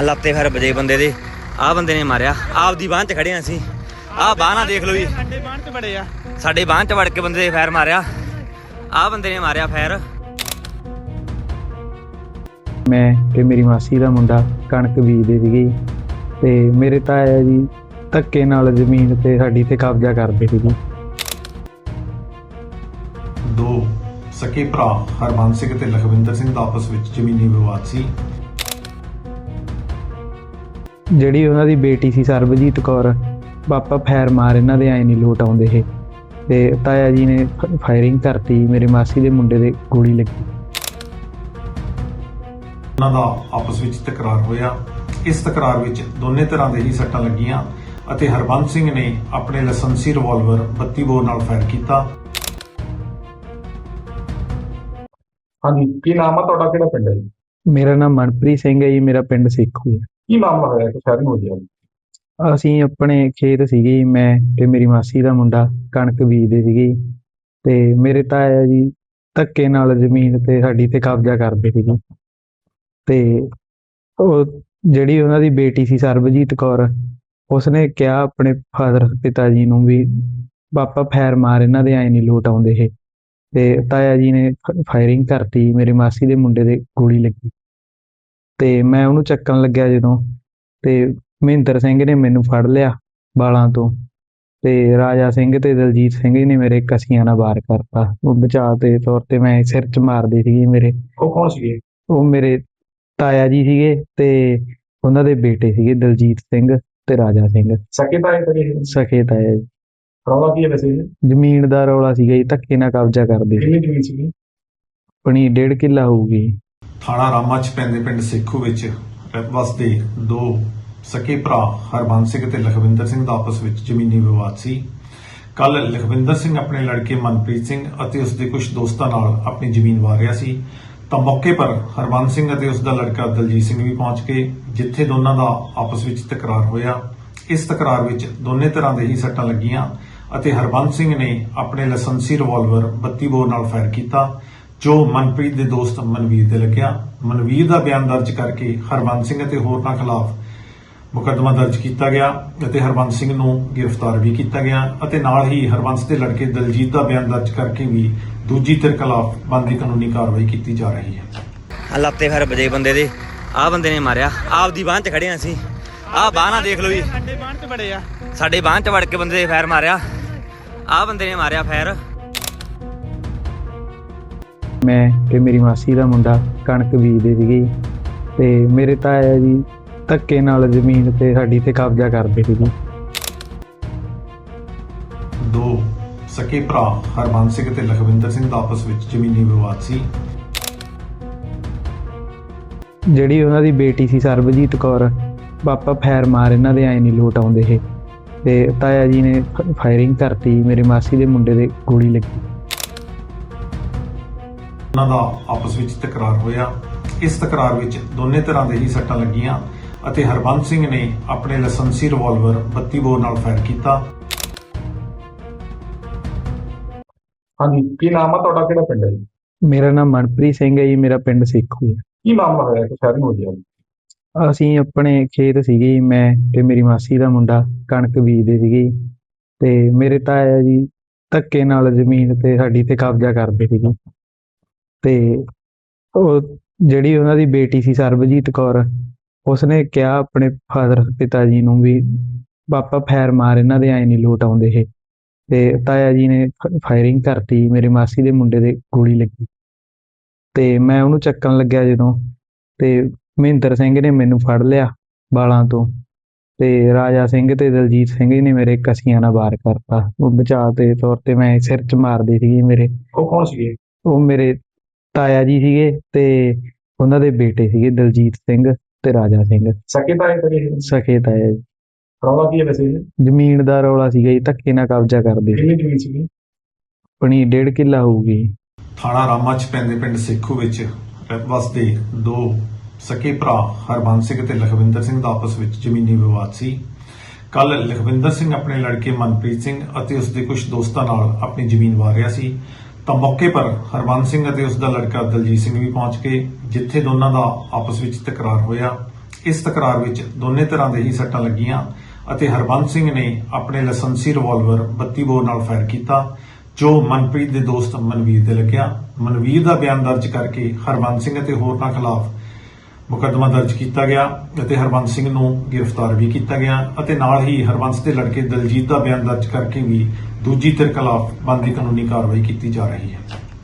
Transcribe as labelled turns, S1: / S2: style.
S1: ਲੱਤੇ ਫਿਰ ਵਜੇ ਬੰਦੇ ਦੇ। ਆਹ ਬੰਦੇ ਨੇ ਮਾਰਿਆ, ਆਪਦੀ ਬਾਂਹ 'ਚ ਖੜੇ ਅਸੀਂ। ਆਹ ਬਾਂਹ ਨਾ ਦੇਖ ਲਓ ਜੀ, ਸਾਡੇ ਬਾਂਹ 'ਚ ਵੜੇ ਆ, ਸਾਡੇ ਬਾਂਹ 'ਚ ਵੜ ਕੇ ਬੰਦੇ ਫੈਰ ਮਾਰਿਆ। ਆਹ ਬੰਦੇ ਨੇ ਮਾਰਿਆ ਫੈਰ।
S2: ਮੈਂ ਤੇ ਮੇਰੀ ਮਾਸੀ ਦਾ ਮੁੰਡਾ ਕਣਕ ਬੀਜਦੇ ਸੀਗੇ ਤੇ ਮੇਰੇ ਤਾਇਆ ਜੀ ਧੱਕੇ ਨਾਲ ਜ਼ਮੀਨ ਤੇ ਸਾਡੀ ਤੇ ਕਬਜ਼ਾ ਕਰਦੇ ਸੀਗੇ।
S3: ਦੋ ਸਕੇ ਭਰਾ ਹਰਬੰਸ ਸਿੰਘ ਤੇ ਲਖਵਿੰਦਰ ਸਿੰਘ ਦਾ ਆਪਸ ਵਿੱਚ ਜ਼ਮੀਨੀ ਵਿਵਾਦ ਸੀ।
S2: ਜਿਹੜੀ ਉਹਨਾਂ ਦੀ ਬੇਟੀ ਸੀ ਸਰਬਜੀਤ ਕੌਰ, ਪਾਪਾ ਫੈਰ ਮਾਰ ਇਹਨਾਂ ਦੇ ਐ ਨਹੀਂ ਲੋਟ ਆਉਂਦੇ ਇਹ, ਤੇ ਤਾਇਆ ਜੀ ਨੇ ਫਾਇਰਿੰਗ ਕਰਤੀ, ਮੇਰੇ ਮਾਸੀ ਦੇ ਮੁੰਡੇ ਦੇ ਗੋਲੀ ਲੱਗੀ।
S3: ਉਹਨਾਂ ਦਾ ਆਪਸ ਵਿੱਚ ਤਕਰਾਰ ਹੋਇਆ। ਇਸ ਤਕਰਾਰ ਵਿੱਚ ਦੋਨੇ ਤਰ੍ਹਾਂ ਦੇ ਹੀ ਸੱਟਾਂ ਲੱਗੀਆਂ ਅਤੇ ਹਰਬੰਸ ਸਿੰਘ ਨੇ ਆਪਣੇ ਲਾਇਸੈਂਸੀ ਰਿਵਾਲਵਰ 32 ਬੋਰ ਨਾਲ ਫਾਇਰ ਕੀਤਾ।
S4: ਹਾਂਜੀ, ਕੀ ਨਾਮ ਆ ਤੁਹਾਡਾ, ਕਿਹੜਾ ਪਿੰਡ ਹੈ ਜੀ?
S2: ਮੇਰਾ ਨਾਮ ਮਨਪ੍ਰੀਤ ਸਿੰਘ ਹੈ ਜੀ, ਮੇਰਾ ਪਿੰਡ ਸੇਖੂ ਹੈ।
S4: ਕੀ ਮਾਮਲਾ ਹੋਇਆ ਕਿ ਸ਼ਹਿਰ ਨੂੰ ਹੋ ਗਿਆ?
S2: ਅਸੀਂ ਆਪਣੇ ਖੇਤ ਸੀਗੇ ਜੀ, ਮੈਂ ਤੇ ਮੇਰੀ ਮਾਸੀ ਦਾ ਮੁੰਡਾ ਕਣਕ ਬੀਜਦੇ ਸੀਗੇ ਤੇ ਮੇਰੇ ਤਾਇਆ ਜੀ ਧੱਕੇ ਨਾਲ ਜ਼ਮੀਨ ਤੇ ਸਾਡੀ ਤੇ ਕਬਜ਼ਾ ਕਰਦੇ ਸੀਗੇ। ਤੇ ਉਹ ਜਿਹੜੀ ਉਹਨਾਂ ਦੀ ਬੇਟੀ ਸੀ ਸਰਬਜੀਤ ਕੌਰ, ਉਸਨੇ ਕਿਹਾ ਆਪਣੇ ਫਾਦਰ ਪਿਤਾ ਜੀ ਨੂੰ ਵੀ ਪਾਪਾ ਫੈਰ ਮਾਰ ਇਹਨਾਂ ਦੇ ਐ ਨਹੀਂ ਲੋਟ ਆਉਂਦੇ ਇਹ, ਤੇ ਤਾਇਆ ਜੀ ਨੇ ਫਾਇਰਿੰਗ ਕਰਤੀ, ਮੇਰੇ ਮਾਸੀ ਦੇ ਮੁੰਡੇ ਦੇ ਗੋਲੀ ਲੱਗੀ। ਤੇ ਮੈਂ ਉਹਨੂੰ ਚੱਕਣ ਲੱਗਿਆ ਜਦੋਂ, ਤੇ ਮਹਿੰਦਰ ਸਿੰਘ ਨੇ ਮੈਨੂੰ ਫੜ ਲਿਆ ਬਾਲਾਂ ਤੋਂ, ਤੇ ਰਾਜਾ ਸਿੰਘ ਤੇ ਦਲਜੀਤ ਸਿੰਘ ਨੇ ਮੇਰੇ ਕਸੀਆਂ ਨਾਲ ਵਾਰ ਕਰਤਾ। ਉਹ ਬਚਾਅ ਦੇ ਤੌਰ ਤੇ ਮੈਂ ਸਿਰ 'ਚ ਮਾਰਦੇ ਸੀਗੇ ਮੇਰੇ।
S4: ਉਹ ਕੌਣ ਸੀਗੇ?
S2: ਉਹ ਮੇਰੇ ਤਾਇਆ ਜੀ ਸੀਗੇ ਤੇ ਉਹਨਾਂ ਦੇ ਬੇਟੇ ਸੀਗੇ ਦਲਜੀਤ ਸਿੰਘ ਤੇ ਰਾਜਾ ਸਿੰਘ,
S4: ਸਕੇ ਤਾਏ ਕਰੇ?
S2: ਸਖੇ ਤਾਇਆ ਜੀ।
S4: ਰੌਲਾ ਕੀ ਹੈ ਵੈਸੇ ਇਹ?
S2: ਜ਼ਮੀਨ ਦਾ ਰੌਲਾ ਸੀਗਾ ਜੀ, ਧੱਕੇ ਨਾਲ ਕਬਜ਼ਾ ਕਰਦੇ ਸੀ।
S4: ਕਿੰਨੀ ਜ਼ਮੀਨ ਸੀਗੀ?
S2: ਆਪਣੀ 1.5 ਕਿੱਲਾ ਹੋਊਗੀ।
S3: ਥਾਣਾ ਰਾਮਾ 'ਚ ਪੈਂਦੇ ਪਿੰਡ ਸੇਖੂ ਵਿੱਚ ਵਸਦੇ ਦੋ ਸਕੇ ਭਰਾ ਹਰਬੰਸ ਸਿੰਘ ਤੇ ਲਖਵਿੰਦਰ ਸਿੰਘ ਦਾ ਆਪਸ ਵਿੱਚ ਜ਼ਮੀਨੀ ਵਿਵਾਦ ਸੀ। ਕੱਲ ਲਖਵਿੰਦਰ ਸਿੰਘ ਆਪਣੇ ਲੜਕੇ ਮਨਪ੍ਰੀਤ ਸਿੰਘ ਅਤੇ ਉਸ ਦੇ ਕੁਝ ਦੋਸਤਾਂ ਨਾਲ ਆਪਣੀ ਜ਼ਮੀਨ ਵਾਰ ਰਿਹਾ ਸੀ ਤਾਂ ਮੌਕੇ ਪਰ ਹਰਬੰਸ ਸਿੰਘ ਅਤੇ ਉਸ ਦਾ ਲੜਕਾ ਦਲਜੀਤ ਸਿੰਘ ਵੀ ਪਹੁੰਚ ਗਏ, ਜਿੱਥੇ ਦੋਨਾਂ ਦਾ ਆਪਸ ਵਿੱਚ ਤਕਰਾਰ ਹੋਇਆ। ਇਸ ਤਕਰਾਰ ਵਿੱਚ ਦੋਨੇ ਤਰ੍ਹਾਂ ਦੇ ਹੀ ਸੱਟਾਂ ਲੱਗੀਆਂ ਅਤੇ ਹਰਬੰਸ ਸਿੰਘ ਨੇ ਆਪਣੇ ਲਾਇਸੈਂਸੀ ਰਿਵਾਲਵਰ 32 ਬੋਰ ਨਾਲ ਫਾਇਰ ਕੀਤਾ, ਜੋ ਮਨਪ੍ਰੀਤ ਦੇ ਦੋਸਤ ਮਨਵੀਰ ਦੇ ਲੱਗਿਆ। ਮਨਵੀਰ ਦਾ ਬਿਆਨ ਦਰਜ ਕਰਕੇ ਹਰਬੰਸ ਸਿੰਘ ਅਤੇ ਹੋਰਨਾਂ ਖਿਲਾਫ ਮੁਕੱਦਮਾ ਦਰਜ ਕੀਤਾ ਗਿਆ ਅਤੇ ਹਰਬੰਸ ਸਿੰਘ ਨੂੰ ਗ੍ਰਿਫਤਾਰ ਵੀ ਕੀਤਾ ਗਿਆ ਅਤੇ ਨਾਲ ਹੀ ਹਰਬੰਸ ਦੇ ਲੜਕੇ ਦਲਜੀਤ ਦਾ ਬਿਆਨ ਦਰਜ ਕਰਕੇ ਵੀ ਦੂਜੀ ਧਿਰ ਖਿਲਾਫ ਬਣਦੀ ਕਾਨੂੰਨੀ ਕਾਰਵਾਈ ਕੀਤੀ ਜਾ ਰਹੀ ਹੈ।
S1: ਲੱਤੇ ਫਿਰ ਵਜੇ ਬੰਦੇ ਦੇ। ਆਹ ਬੰਦੇ ਨੇ ਮਾਰਿਆ, ਆਪਦੀ ਬਾਂਹ 'ਚ ਖੜੇ ਅਸੀਂ। ਆਹ ਬਾਂਹ ਨਾ ਦੇਖ ਲਓ ਜੀ, ਸਾਡੇ ਬਾਂਹ 'ਚ ਵੜੇ ਆ, ਸਾਡੇ ਬਾਂਹ 'ਚ ਵੜ ਕੇ ਬੰਦੇ ਫੈਰ ਮਾਰਿਆ। ਆਹ ਬੰਦੇ ਨੇ ਮਾਰਿਆ ਫੈਰ।
S2: ਮੈਂ ਤੇ ਮੇਰੀ ਮਾਸੀ ਦਾ ਮੁੰਡਾ ਕਣਕ ਬੀਜਦੇ ਸੀਗੇ ਤੇ ਮੇਰੇ ਤਾਇਆ ਜੀ ਧੱਕੇ ਨਾਲ ਜ਼ਮੀਨ ਤੇ ਸਾਡੀ ਤੇ ਕਬਜ਼ਾ ਕਰਦੇ ਸੀਗੇ।
S3: ਦੋ ਸਕੇ ਭਰਾ ਹਰਬੰਸ ਸਿੰਘ ਤੇ ਲਖਵਿੰਦਰ ਸਿੰਘ ਦਾ ਆਪਸ ਵਿੱਚ ਜ਼ਮੀਨੀ ਵਿਵਾਦ ਸੀ।
S2: ਜਿਹੜੀ ਉਹਨਾਂ ਦੀ ਬੇਟੀ ਸੀ ਸਰਬਜੀਤ ਕੌਰ, ਪਾਪਾ ਫੈਰ ਮਾਰ ਇਹਨਾਂ ਦੇ ਐ ਨਹੀਂ ਲੋਟ ਆਉਂਦੇ ਇਹ, ਤੇ ਤਾਇਆ ਜੀ ਨੇ ਫਾਇਰਿੰਗ ਕਰਤੀ, ਮੇਰੇ ਮਾਸੀ ਦੇ ਮੁੰਡੇ ਦੇ ਗੋਲੀ ਲੱਗੀ।
S3: ਉਹਨਾਂ ਦਾ ਆਪਸ ਵਿੱਚ ਤਕਰਾਰ ਹੋਇਆ। ਇਸ ਤਕਰਾਰ ਵਿੱਚ ਦੋਨੇ ਤਰ੍ਹਾਂ ਦੇ ਹੀ ਸੱਟਾਂ ਲੱਗੀਆਂ ਅਤੇ ਹਰਬੰਸ ਸਿੰਘ ਨੇ ਆਪਣੇ ਲਾਇਸੈਂਸੀ ਰਿਵਾਲਵਰ 32 ਬੋਰ ਨਾਲ ਫਾਇਰ ਕੀਤਾ।
S4: ਹਾਂਜੀ, ਕੀ ਨਾਮ ਆ ਤੁਹਾਡਾ, ਕਿਹੜਾ ਪਿੰਡ ਹੈ ਜੀ?
S2: ਮੇਰਾ ਨਾਮ ਮਨਪ੍ਰੀਤ ਸਿੰਘ ਹੈ ਜੀ, ਮੇਰਾ ਪਿੰਡ ਸੇਖੂ ਹੈ।
S4: ਕੀ ਮਾਮਲਾ ਹੋਇਆ ਕਿ ਸ਼ਹਿਰ ਨੂੰ ਹੋ ਗਿਆ?
S2: ਅਸੀਂ ਆਪਣੇ ਖੇਤ ਸੀਗੇ, ਮੈਂ ਤੇ ਮੇਰੀ ਮਾਸੀ ਦਾ ਮੁੰਡਾ ਕਣਕ ਬੀਜਦੇ ਸੀਗੇ ਤੇ ਮੇਰੇ ਤਾਇਆ ਜੀ ਧੱਕੇ ਨਾਲ ਜ਼ਮੀਨ ਤੇ ਸਾਡੀ ਤੇ ਕਬਜ਼ਾ ਕਰਦੇ ਸੀਗੇ। ਤੇ ਉਹ ਜਿਹੜੀ ਉਹਨਾਂ ਦੀ ਬੇਟੀ ਸੀ ਸਰਬਜੀਤ ਕੌਰ, ਉਸਨੇ ਕਿਹਾ ਆਪਣੇ ਫਾਦਰ ਪਿਤਾ ਜੀ ਨੂੰ ਵੀ ਪਾਪਾ ਫੈਰ ਮਾਰ ਇਹਨਾਂ ਦੇ ਐ ਨਹੀਂ ਲੋਟ ਆਉਂਦੇ ਇਹ, ਤੇ ਤਾਇਆ ਜੀ ਨੇ ਫਾਇਰਿੰਗ ਕਰਤੀ, ਮੇਰੇ ਮਾਸੀ ਦੇ ਮੁੰਡੇ ਦੇ ਗੋਲੀ ਲੱਗੀ। ਤੇ ਮੈਂ ਉਹਨੂੰ ਚੱਕਣ ਲੱਗਿਆ ਜਦੋਂ, ਤੇ ਮਹਿੰਦਰ ਸਿੰਘ ਨੇ ਮੈਨੂੰ ਫੜ ਲਿਆ ਬਾਲਾਂ ਤੋਂ, ਤੇ ਰਾਜਾ ਸਿੰਘ ਤੇ ਦਲਜੀਤ ਸਿੰਘ ਨੇ ਮੇਰੇ ਕਸੀਆਂ ਨਾਲ ਵਾਰ ਕਰਤਾ। ਉਹ ਬਚਾਅ ਦੇ ਤੌਰ ਤੇ ਮੈਂ ਸਿਰ 'ਚ ਮਾਰਦੇ ਸੀਗੇ ਮੇਰੇ।
S4: ਉਹ ਕੌਣ ਸੀਗੇ?
S2: ਉਹ ਮੇਰੇ ਤਾਇਆ ਜੀ ਸੀਗੇ ਤੇ ਉਹਨਾਂ ਦੇ ਬੇਟੇ ਸੀਗੇ ਦਲਜੀਤ ਸਿੰਘ ਤੇ ਰਾਜਾ ਸਿੰਘ,
S4: ਸਕੇ ਤਾਏ ਕਰੇ?
S2: ਸਖੇ ਤਾਇਆ ਜੀ।
S4: ਰੌਲਾ ਕੀ ਹੈ ਵੈਸੇ ਇਹ?
S2: ਜ਼ਮੀਨ ਦਾ ਰੌਲਾ ਸੀਗਾ ਜੀ, ਧੱਕੇ ਨਾਲ ਕਬਜ਼ਾ ਕਰਦੇ ਸੀ।
S4: ਕਿੰਨੀ ਜ਼ਮੀਨ ਸੀਗੀ?
S2: ਆਪਣੀ 1.5 ਕਿੱਲਾ ਹੋਊਗੀ।
S3: ਥਾਣਾ ਰਾਮਾ 'ਚ ਪੈਂਦੇ ਪਿੰਡ ਸੇਖੂ ਵਿੱਚ ਵਸਦੇ ਦੋ ਸਕੇ ਭਰਾ ਹਰਬੰਸ ਸਿੰਘ ਤੇ ਲਖਵਿੰਦਰ ਸਿੰਘ ਦਾ ਆਪਸ ਵਿੱਚ ਜ਼ਮੀਨੀ ਵਿਵਾਦ ਸੀ। ਕੱਲ ਲਖਵਿੰਦਰ ਸਿੰਘ ਆਪਣੇ ਲੜਕੇ ਮਨਪ੍ਰੀਤ ਸਿੰਘ ਅਤੇ ਉਸ ਦੇ ਕੁਝ ਦੋਸਤਾਂ ਨਾਲ ਆਪਣੀ ਜ਼ਮੀਨ ਵਾਰ ਰਿਹਾ ਸੀ ਤਾਂ ਮੌਕੇ ਪਰ ਹਰਬੰਸ ਸਿੰਘ ਅਤੇ ਉਸ ਦਾ ਲੜਕਾ ਦਲਜੀਤ ਸਿੰਘ ਵੀ ਪਹੁੰਚ ਗਏ, ਜਿੱਥੇ ਦੋਨਾਂ ਦਾ ਆਪਸ ਵਿੱਚ ਤਕਰਾਰ ਹੋਇਆ। ਇਸ ਤਕਰਾਰ ਵਿੱਚ ਦੋਨੇ ਤਰ੍ਹਾਂ ਦੇ ਹੀ ਸੱਟਾਂ ਲੱਗੀਆਂ ਅਤੇ ਹਰਬੰਸ ਸਿੰਘ ਨੇ ਆਪਣੇ ਲਾਇਸੈਂਸੀ ਰਿਵਾਲਵਰ 32 ਬੋਰ ਨਾਲ ਫਾਇਰ ਕੀਤਾ, ਜੋ ਮਨਪ੍ਰੀਤ ਦੇ ਦੋਸਤ ਮਨਵੀਰ ਦੇ ਲੱਗਿਆ। ਮਨਵੀਰ ਦਾ ਬਿਆਨ ਦਰਜ ਕਰਕੇ ਹਰਬੰਸ ਸਿੰਘ ਅਤੇ ਹੋਰਨਾਂ ਖਿਲਾਫ ਮੁਕੱਦਮਾ ਦਰਜ ਕੀਤਾ ਗਿਆ ਅਤੇ ਹਰਬੰਸ ਸਿੰਘ ਨੂੰ ਗ੍ਰਿਫਤਾਰ ਵੀ ਕੀਤਾ ਗਿਆ ਅਤੇ ਨਾਲ ਹੀ ਹਰਬੰਸ ਦੇ ਲੜਕੇ ਦਲਜੀਤ ਦਾ ਬਿਆਨ ਦਰਜ ਕਰਕੇ ਵੀ ਦੂਜੀ ਧਿਰ ਖਿਲਾਫ ਬਣਦੀ ਕਾਨੂੰਨੀ ਕਾਰਵਾਈ ਕੀਤੀ ਜਾ ਰਹੀ ਹੈ।